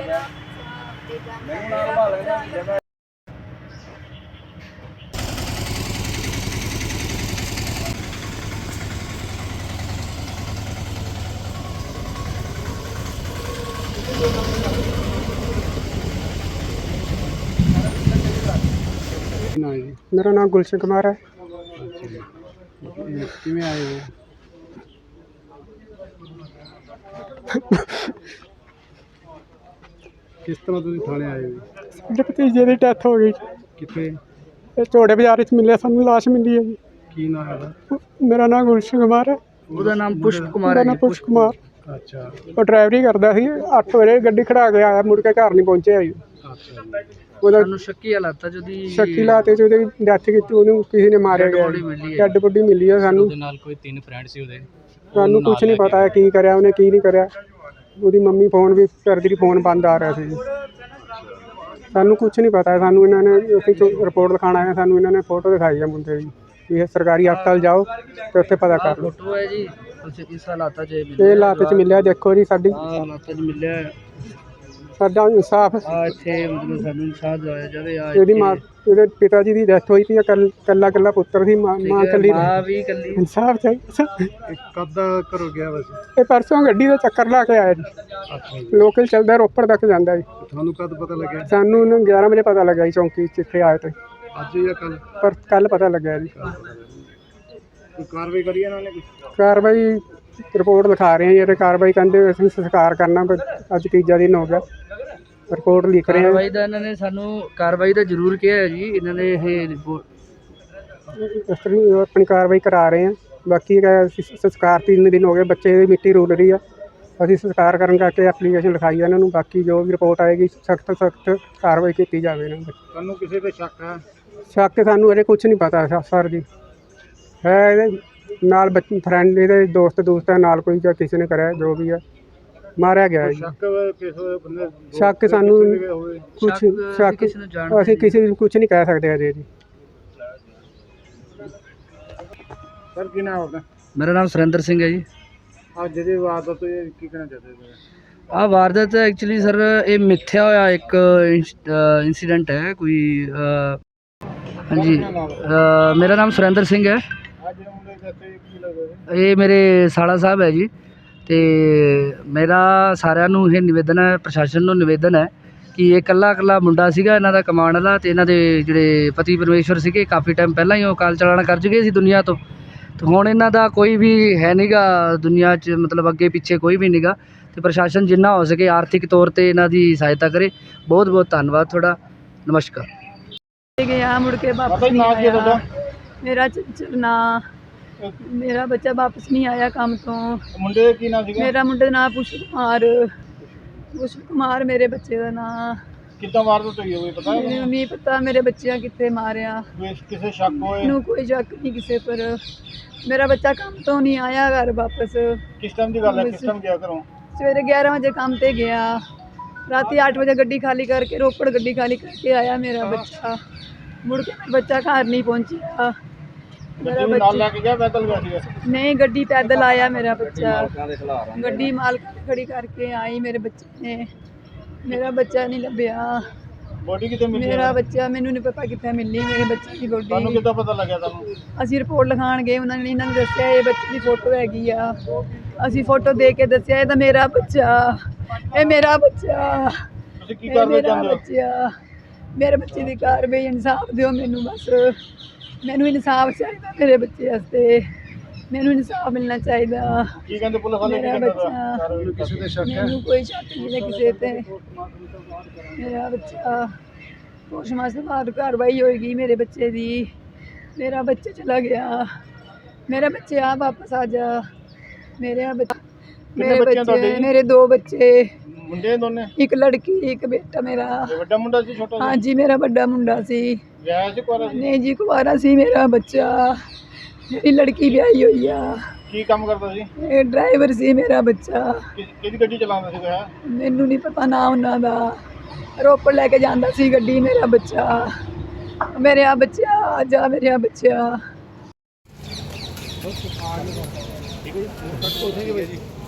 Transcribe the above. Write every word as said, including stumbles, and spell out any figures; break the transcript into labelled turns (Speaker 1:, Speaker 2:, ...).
Speaker 1: मेरा नाम गुलशन कुमार है।
Speaker 2: किवें आए हो? किस तरह तुसीं थाने आए हो?
Speaker 1: मेरे भतीजे की डेथ हो गई।
Speaker 2: कित्थे?
Speaker 1: चौड़े बाजार मिले सानू लाश मिली है जी।
Speaker 2: की नाम है?
Speaker 1: मेरा नाम गुलशन कुमार है।
Speaker 3: ਉਹਦਾ ਨਾਮ ਪੁਸ਼ਪ ਕੁਮਾਰ
Speaker 1: मेरा
Speaker 3: ਹੈ
Speaker 1: नाम
Speaker 3: ਜੀ।
Speaker 1: पुष्प कुमार।
Speaker 2: अच्छा
Speaker 1: वो ड्राइवरी करता सी अठ बजे गड्डी खड़ा के आया, मुड़ के घर नहीं पहुंचे जी।
Speaker 2: अच्छा
Speaker 1: ਉਹਦਾ
Speaker 3: ਸਾਨੂੰ ਸ਼ੱਕੀ ਹਾਲਾਤਾਂ ਚ ਉਹਦੀ
Speaker 1: ਸ਼ੱਕੀ ਲਾਤੇ ਚ ਉਹਦੀ ਡੈਥ ਕੀਤੀ, ਉਹਨੂੰ ਕਿਸੇ ਨੇ ਮਾਰਿਆ ਗਿਆ।
Speaker 3: body ਮਿਲੀ ਹੈ।
Speaker 1: ਡੈਡ ਬੋਡੀ ਮਿਲੀ ਹੈ ਸਾਨੂੰ।
Speaker 4: ਉਹਦੇ ਨਾਲ ਕੋਈ ਤਿੰਨ ਫਰੈਂਡ ਸੀ ਉਹਦੇ।
Speaker 1: ਸਾਨੂੰ ਕੁਝ ਨਹੀਂ ਪਤਾ ਹੈ ਕੀ ਕਰਿਆ ਉਹਨੇ ਕੀ ਨਹੀਂ ਕਰਿਆ। ਉਹਦੀ ਮੰਮੀ ਫੋਨ ਵੀ ਕਰਦੀ ਰਹੀ, ਫੋਨ ਬੰਦ ਆ ਰਿਹਾ ਸੀ। ਸਾਨੂੰ ਕੁਝ ਨਹੀਂ ਪਤਾ ਹੈ। ਸਾਨੂੰ ਇਹਨਾਂ ਨੇ ਅਸੀਂ ਰਿਪੋਰਟ ਲਿਖਾਉਣ ਆਏ, ਸਾਨੂੰ ਇਹਨਾਂ ਨੇ ਫੋਟੋ ਦਿਖਾਈ ਹੈ ਮੁੰਡੇ ਦੀ। ਇਹ ਸਰਕਾਰੀ ਹਸਪਤਾਲ ਜਾਓ ਤੇ ਉੱਥੇ ਪਤਾ ਕਰ ਲਓ।
Speaker 3: ਫੋਟੋ ਹੈ ਜੀ, ਇਸ ਹਾਲਾਤਾਂ ਚ
Speaker 1: ਇਹ ਹਾਲਾਤ ਚ ਮਿਲਿਆ। ਦੇਖੋ ਜੀ ਸਾਡੀ
Speaker 3: ਹਾਲਾਤਾਂ ਚ ਮਿਲਿਆ
Speaker 1: ਸਾਡਾ ਇਨਸਾਫ,
Speaker 3: ਆ ਇੱਥੇ ਮਤਲਬ ਸਾਨੂੰ ਇਨਸਾਫ ਦਿਵਾਇਆ ਜਾਵੇ। ਆ
Speaker 1: ਇਹਦੀ ਮਾਂ, ਇਹਦੇ ਪਿਤਾ ਜੀ ਦੀ ਡੈਥ ਹੋਈ ਸੀ। ਕੱਲਾ ਕੱਲਾ ਪੁੱਤਰ ਸੀ, ਮਾਂ ਮਾਂ ਕੱਲੀ
Speaker 3: ਮਾਂ ਵੀ ਕੱਲੀ।
Speaker 1: ਇਨਸਾਫ ਚਾਹੀਦਾ।
Speaker 2: कद घरों गया वैसे?
Speaker 1: ਇਹ ਪਰਸੋਂ ਗੱਡੀ ਦਾ ਚੱਕਰ ਲਾ ਕੇ ਆਇਆ ਜੀ।
Speaker 2: अच्छा
Speaker 1: ਲੋਕਲ ਚੱਲਦਾ, ਰੋਪੜ ਤੱਕ ਜਾਂਦਾ ਜੀ।
Speaker 2: थानू कद पता लगे?
Speaker 1: ਸਾਨੂੰ ਨਾ ਗਿਆਰਾਂ ਵਜੇ ਪਤਾ ਲੱਗਾ ਜੀ ਚੌਂਕੀ 'ਚ ਇੱਥੇ ਆਏ ਤੇ,
Speaker 2: अज या कल?
Speaker 1: ਪਰ ਕੱਲ ਪਤਾ ਲੱਗਿਆ ਜੀ।
Speaker 2: कोई कार्रवाई करी इन्होंने?
Speaker 1: ਕਾਰਵਾਈ ਰਿਪੋਰਟ ਲਿਖਾ ਰਹੇ ਹਾਂ ਜੀ। ਅਤੇ ਕਾਰਵਾਈ ਕਹਿੰਦੇ ਅਸੀਂ ਸੰਸਕਾਰ ਕਰਨਾ, ਪਰ ਅੱਜ ਤੀਜਾ ਦਿਨ ਹੋ ਗਿਆ। ਰਿਪੋਰਟ ਲਿਖ ਰਹੇ ਹਾਂ।
Speaker 3: ਕਾਰਵਾਈ ਦਾ ਇਹਨਾਂ ਨੇ ਸਾਨੂੰ ਕਾਰਵਾਈ ਦਾ ਜ਼ਰੂਰ ਕਿਹਾ ਹੈ ਜੀ। ਇਹਨਾਂ ਨੇ ਇਹ ਰਿਪੋਰਟ
Speaker 1: ਇਸ ਤਰ੍ਹਾਂ ਆਪਣੀ ਕਾਰਵਾਈ ਕਰਾ ਰਹੇ ਹਾਂ। ਬਾਕੀ ਅਸੀਂ ਸੰਸਕਾਰ ਤਿੰਨ ਦਿਨ ਹੋ ਗਏ, ਬੱਚੇ ਦੀ ਮਿੱਟੀ ਰੁਲ ਰਹੀ ਆ। ਅਸੀਂ ਸੰਸਕਾਰ ਕਰਨ ਕਰਕੇ ਐਪਲੀਕੇਸ਼ਨ ਲਿਖਾਈ ਹੈ ਇਹਨਾਂ ਨੂੰ। ਬਾਕੀ ਜੋ ਵੀ ਰਿਪੋਰਟ ਆਏਗੀ ਸਖਤ ਤੋਂ ਸਖਤ ਕਾਰਵਾਈ ਕੀਤੀ ਜਾਵੇ ਇਹਨਾਂ ਦੀ।
Speaker 2: ਤੁਹਾਨੂੰ ਕਿਸੇ ਤੇ ਸ਼ੱਕ ਹੈ?
Speaker 1: ਸ਼ੱਕ ਸਾਨੂੰ ਅਜੇ ਕੁਝ ਨਹੀਂ ਪਤਾ ਸਰ ਜੀ। ਹੈ ਇਹਦੇ ਨਾਲ ਬੱਚੇ ਫਰੈਂਡ, ਇਹਦੇ ਦੋਸਤ ਦੋਸਤ ਹੈ ਨਾਲ ਕੋਈ, ਜਾਂ ਕਿਸੇ ਨੇ ਕਰਿਆ ਜੋ ਵੀ ਹੈ, ਮਾਰਿਆ ਗਿਆ ਹੈ ਜੀ।
Speaker 2: ਸ਼ੱਕ ਕਿਸੇ ਬੰਦੇ?
Speaker 1: ਸ਼ੱਕ ਸਾਨੂੰ ਕੁਝ
Speaker 3: ਸ਼ੱਕ
Speaker 1: ਸ਼ੱਕ
Speaker 3: ਕਿਸੇ ਨੂੰ ਜਾਣਦੇ
Speaker 1: ਅਸੀਂ ਕਿਸੇ ਨੂੰ ਕੁਝ ਨਹੀਂ ਕਹਿ ਸਕਦੇ ਅਜੇ ਜੀ।
Speaker 2: ਸਰ ਕੀ ਨਾਮ ਆਪਣਾ?
Speaker 3: ਮੇਰਾ ਨਾਮ ਸੁਰਿੰਦਰ ਸਿੰਘ ਹੈ ਜੀ।
Speaker 2: ਅੱਜ ਜਿਹਦੇ ਵਾਰਦਾਤ ਤੋਂ ਇਹ ਕੀ ਕਹਿਣਾ ਚਾਹते ਹੋ?
Speaker 3: ਆਹ ਵਾਰਦਾਤ ਐਕਚੁਅਲੀ ਸਰ ਇਹ ਮਿੱਥਿਆ ਹੋਇਆ ਇੱਕ ਇਨਸੀਡੈਂਟ ਹੈ ਕੋਈ। ਅ, ਹਾਂਜੀ ਅ, ਮੇਰਾ ਨਾਮ ਸੁਰਿੰਦਰ ਸਿੰਘ ਹੈ।
Speaker 2: ਅੱਜ ਜਿਹੜੇ ਮੁੰਡੇ ਦੇ ਇੱਥੇ ਕੀ ਲੱਗਦਾ?
Speaker 3: ਇਹ ਮੇਰੇ ਸਾਲਾ ਸਾਹਿਬ ਹੈ ਜੀ। ਅਤੇ ਮੇਰਾ ਸਾਰਿਆਂ ਨੂੰ ਇਹ ਨਿਵੇਦਨ ਹੈ, ਪ੍ਰਸ਼ਾਸਨ ਨੂੰ ਨਿਵੇਦਨ ਹੈ ਕਿ ਇਹ ਇਕੱਲਾ ਇਕੱਲਾ ਮੁੰਡਾ ਸੀਗਾ ਇਹਨਾਂ ਦਾ ਕਮਾਉਣ ਵਾਲਾ। ਅਤੇ ਇਹਨਾਂ ਦੇ ਜਿਹੜੇ ਪਤੀ ਪਰਮੇਸ਼ਵਰ ਸੀਗੇ ਕਾਫੀ ਟਾਈਮ ਪਹਿਲਾਂ ਹੀ ਉਹ ਕਾਲ ਚਲਾਣਾ ਕਰ ਚੁੱਕੇ ਸੀ ਦੁਨੀਆ ਤੋਂ। ਅਤੇ ਹੁਣ ਇਹਨਾਂ ਦਾ ਕੋਈ ਵੀ ਹੈ ਨਹੀਂ ਗਾ ਦੁਨੀਆ 'ਚ, ਮਤਲਬ ਅੱਗੇ ਪਿੱਛੇ ਕੋਈ ਵੀ ਨਹੀਂ ਗਾ। ਅਤੇ ਪ੍ਰਸ਼ਾਸਨ ਜਿੰਨਾ ਹੋ ਸਕੇ ਆਰਥਿਕ ਤੌਰ 'ਤੇ ਇਹਨਾਂ ਦੀ ਸਹਾਇਤਾ ਕਰੇ। ਬਹੁਤ ਬਹੁਤ ਧੰਨਵਾਦ ਤੁਹਾਡਾ। ਨਮਸਕਾਰ।
Speaker 5: ਗਿਆ ਮੁੜ ਕੇ ਵਾਪਸ ਨਹੀਂ ਆਇਆ। ਮੇਰਾ ਚੰਚਲ ਨਾਂ, ਮੇਰਾ ਬੱਚਾ ਵਾਪਸ ਨਹੀਂ ਆਇਆ ਕੰਮ ਤੋਂ।
Speaker 2: ਮੁੰਡੇ ਦਾ ਕੀ ਨਾਮ ਸੀਗਾ?
Speaker 5: ਮੇਰਾ ਮੁੰਡੇ ਦਾ ਨਾਂ ਪੁਸ਼ਪ ਕੁਮਾਰ। ਪੁਸ਼ਪ ਕੁਮਾਰ ਮੇਰੇ ਬੱਚੇ ਦਾ ਨਾਂ।
Speaker 2: ਕਿੱਦਾਂ ਵਾਰਦਾਤ ਹੋਈ ਹੈ ਕੋਈ ਪਤਾ?
Speaker 5: ਮੈਨੂੰ ਨਹੀਂ ਪਤਾ ਮੇਰੇ ਬੱਚਿਆਂ ਕਿੱਥੇ ਮਾਰਿਆ।
Speaker 2: ਕਿਸੇ ਸ਼ੱਕ ਹੋਏ?
Speaker 5: ਮੈਨੂੰ ਕੋਈ ਸ਼ੱਕ ਨਹੀਂ ਕਿਸੇ ਪਰ। ਮੇਰਾ ਬੱਚਾ ਕੰਮ ਤੋਂ ਨਹੀਂ ਆਇਆ ਘਰ ਵਾਪਸ।
Speaker 2: ਕਿਸ ਟਾਈਮ ਦੀ ਗੱਲ ਹੈ? ਕਿਸ ਟਾਈਮ ਗਿਆ ਘਰੋਂ?
Speaker 5: ਸਵੇਰੇ ਗਿਆਰਾਂ ਵਜੇ ਕੰਮ ਤੇ ਗਿਆ, ਰਾਤੀ ਅੱਠ ਵਜੇ ਗੱਡੀ ਖਾਲੀ ਕਰਕੇ, ਰੋਪੜ ਗੱਡੀ ਖਾਲੀ ਕਰਕੇ ਆਇਆ ਮੇਰਾ ਬੱਚਾ। ਮੁੜ ਕੇ ਬੱਚਾ ਘਰ ਨਹੀਂ ਪਹੁੰਚਿਆ। ਮੇਰਾ
Speaker 2: ਨਾਲ
Speaker 5: ਬੱਚਾ
Speaker 2: ਲੈ ਕੇ ਗਿਆ ਪੈਦਲ ਗਿਆ ਸੀਗਾ?
Speaker 5: ਨਹੀਂ, ਗੱਡੀ ਪੈਦਲ ਆਇਆ ਮੇਰਾ ਬੱਚਾ। ਗੱਡੀ ਮਾਲਕ ਨੇ ਖੜੀ ਕਰਕੇ ਆਈ ਮੇਰੇ ਬੱਚੇ ਨੇ। ਮੇਰਾ ਬੱਚਾ ਨਹੀਂ ਲੱਭਿਆ।
Speaker 2: ਬੋਡੀ ਕਿੱਥੇ ਮਿਲੀ?
Speaker 5: ਮੇਰਾ ਬੱਚਾ ਮੈਨੂੰ ਨਹੀਂ ਪਤਾ ਕਿੱਥੇ ਮਿਲੀ ਮੇਰੇ ਬੱਚੇ ਦੀ
Speaker 2: ਤੁਹਾਨੂੰ
Speaker 5: ਬੋਡੀ।
Speaker 2: ਕਿੱਦਾਂ ਪਤਾ ਲੱਗਿਆ ਤੁਹਾਨੂੰ?
Speaker 5: ਅਸੀਂ ਰਿਪੋਰਟ ਲਿਖਾਉਣ ਗਏ, ਉਹਨਾਂ ਨੇ ਇਹਨਾਂ ਨੇ ਦੱਸਿਆ ਇਹ ਬੱਚੇ ਦੀ ਫੋਟੋ ਹੈਗੀ ਆ। ਅਸੀਂ ਫੋਟੋ ਦੇ ਕੇ ਦੱਸਿਆ ਇਹ ਤਾਂ ਮੇਰਾ ਬੱਚਾ, ਇਹ ਮੇਰਾ ਬੱਚਾ,
Speaker 2: ਤੁਸੀਂ ਕੀ
Speaker 5: ਇਹ
Speaker 2: ਕਰਨਾ
Speaker 5: ਮੇਰਾ
Speaker 2: ਚਾਹੁੰਦੇ ਹੋ?
Speaker 5: ਬੱਚਾ। ਮੇਰੇ ਬੱਚੇ ਦੀ ਕਾਰਵਾਈ, ਇਨਸਾਫ ਦਿਓ ਮੈਨੂੰ ਬਸ। ਮੈਨੂੰ ਇਨਸਾਫ ਚਾਹੀਦਾ ਮੇਰੇ ਬੱਚੇ ਵਾਸਤੇ। ਮੈਨੂੰ ਇਨਸਾਫ ਮਿਲਣਾ ਚਾਹੀਦਾ।
Speaker 2: ਕੀ ਕਹਿੰਦੇ ਪੁਲਿਸ ਵਾਲੇ? ਕੀ
Speaker 5: ਮੇਰਾ
Speaker 2: ਕਹਿੰਦੇ
Speaker 5: ਬੱਚਾ,
Speaker 2: ਤੁਹਾਨੂੰ ਕਿਸੇ ਤੇ ਸ਼ੱਕ ਹੈ?
Speaker 5: ਮੈਨੂੰ ਕੋਈ ਸ਼ੱਕ ਨਹੀਂ ਹੈ ਕਿਸੇ ਤੇ। ਮੇਰਾ ਬੱਚਾ ਪੋਸਟਮਾਰਟਮ ਬਾਅਦ ਕਾਰਵਾਈ ਹੋਏਗੀ ਮੇਰੇ ਬੱਚੇ ਦੀ। ਮੇਰਾ ਬੱਚਾ ਚਲਾ ਗਿਆ। ਮੇਰੇ ਬੱਚੇ ਆ ਵਾਪਸ ਆ ਜਾ। ਮੇਰੇ ਆ ਬੱਚੇ, ਮੇਰੇ ਬੱਚੇ, ਮੇਰੇ ਦੋ ਬੱਚੇ,
Speaker 2: ਮੁੰਡੇ ਦੋਨੇ?
Speaker 5: ਇੱਕ ਲੜਕੀ ਇੱਕ ਬੇਟਾ ਮੇਰਾ।
Speaker 2: ਇਹ ਵੱਡਾ ਮੁੰਡਾ ਸੀ ਛੋਟਾ ਸੀ?
Speaker 5: ਹਾਂਜੀ ਮੇਰਾ ਵੱਡਾ ਮੁੰਡਾ ਸੀ।
Speaker 2: ਵਿਆਹ ਸੀ ਕੁਆਰਾ ਸੀ?
Speaker 5: ਨਹੀਂ ਜੀ ਕੁਵਾਰਾ ਸੀ ਮੇਰਾ ਬੱਚਾ। ਮੇਰੀ ਲੜਕੀ ਵਿਆਹੀ ਹੋਈ ਆ।
Speaker 2: ਕੀ ਕੰਮ ਕਰਦਾ ਸੀ?
Speaker 5: ਇਹ ਡਰਾਈਵਰ ਸੀ ਮੇਰਾ ਬੱਚਾ।
Speaker 2: ਕਿ- ਕਿਹਦੀ ਗੱਡੀ ਚਲਾਉਂਦਾ ਸੀਗਾ?
Speaker 5: ਮੈਨੂੰ ਨਹੀਂ ਪਤਾ ਨਾ ਉਹਨਾਂ ਦਾ। ਰੋਪੜ ਲੈ ਕੇ ਜਾਂਦਾ ਸੀ ਗੱਡੀ ਮੇਰਾ ਬੱਚਾ। ਮੇਰੇ ਆ ਬੱਚਾ, ਆ ਜਾ ਮੇਰੇ ਆ ਬੱਚਾ।
Speaker 2: ਠੀਕ ਹੈ ਜੀ।